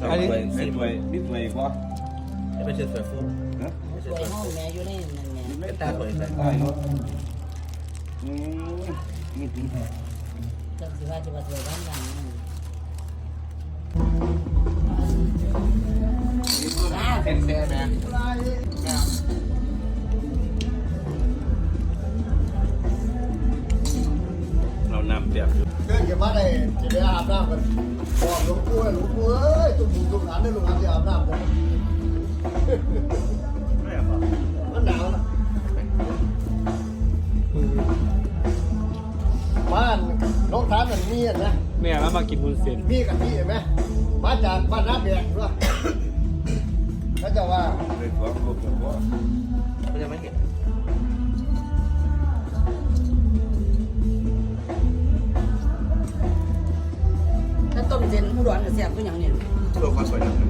อันนี้ไอ้ถ้วยนิดหน่อยก็จะไปเชิญสวยฟุ้งนะสวยห้องแม่อยู่ในนั่นแม่ไม่ตาสวยใส่ได้เนาะจังสิว่าจะมาสวยด้านหลังเส้นแซ่แม่เรานำเปียกเดินกันมาได้จะได้อาบน้ำกันบอกหลวงปู่เอ้ยตุ้มตุ้มหลานได้หลวงหลานจะอาบน้ำกันไม่อะมันหนาวนะบ้านน้องทานมันมีนะแม่แล้วมากินวุ้นเส้นมีกันที่เห็นไหมมาจากบ้านน้ำแดงด้วยแล้วจะว่าเลยขอครบแล้วก็เขาจะไม่เห็นถ้าต้มเส้นผู้ร้อนกับแซ่บก็อย่างนี้ตัวความสวยนะ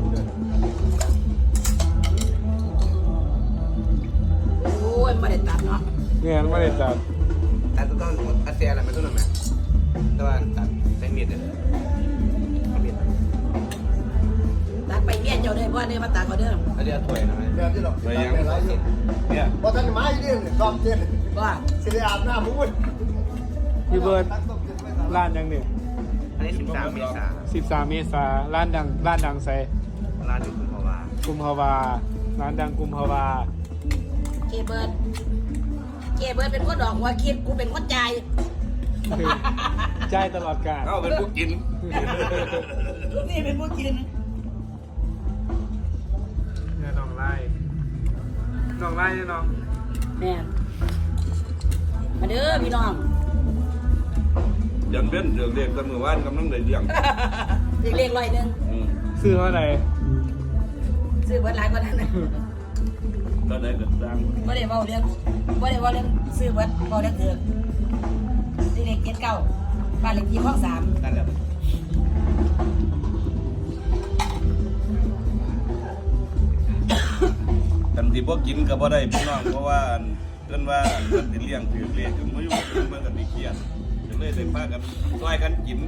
โอ้ยไม่ได้ตัดเนาะแม่ไม่ได้จัดแต่ต้องอาเซียนอะไรไม่ต้องหรอกนะแต่ว่าตัดใช้มีดเนี่ยมีดตัดไปเมียเจ้าได้เพราะเนี่ยมาตัดเขาเด้ออันนี้ถ้วยนะเดี๋ยวที่เราไปยังอะไรอยู่เนี่ยพอท่านไม้เนี่ยซ้อมเต้นว่าสิได้อาบน้ำมุ้ยพี่เบิร์ดร้านยังเนี่ยอันนี้13 เมษายน 13 เมษาร้านดังใส่ร้านอยู่คุณพ่อว่ากุมภาวาร้านดังกุมภาวาเกเบิร์ดเป็นคนดอกว่าคิดกูเป็นคนใจายใจายตลอดกาลเอาเป็นผู้กินนี่เป็นผู้กินเนี่ยน้องไล่เนี่ยน้องแม่มาเด้อพี่น้องยันเบ้นเดือดเรียกกันเมื่อวานกำลังได้เลี้ยงเรียกร้อยหนึ่งซื้อเท่าไหร่ซื้อเบิร์ดหลายกว่านั้นนะก็ได้เกิดดังไม่ได้เบาเรื่องซื้อเบิร์ดเบาเรื่องเถื่อนที่เลข79บ้านเลขที่ห้อง3 นั่นแหละกันที่พวกกินก็บ่ได้พี่น้องเพราะว่าเพิ่นว่าเพิ่นสิเลี้ยงถือเลขกันมาอยู่มันก็สิเครียดก็เลยได้พากันช่วยกันกิน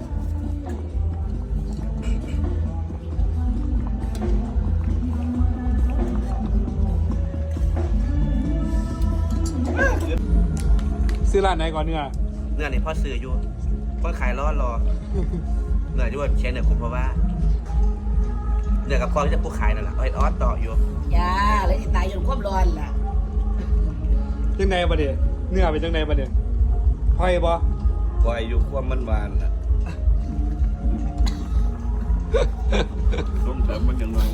ซื้อร้านไหนก่อนเนื้อเนื้อนี่พ่อซื้ออยู่พ่อขายรอเนื้ออยู่ว่าเชนเนี่ยคุณเพราะว่าเนื้อกับพ่อที่จะผู้ขายนั่นแหละออสต่ออยู่อย่าเลยสิตายจนควบร้อนล่ะจังใดประเดี๋ยวเนื้อเป็นจังใดประเดี๋ยวหอยบ่ปล่อยอยู่ความมันหวานน่ะต้มเติมมันจังหวะ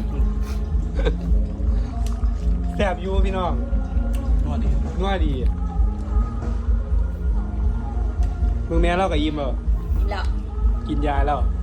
แซ่บอยู่พี่น้องนวดดีนัวดีมึงแม่เรากับยิ้มเหรอกินแล้วกินยาแล้ว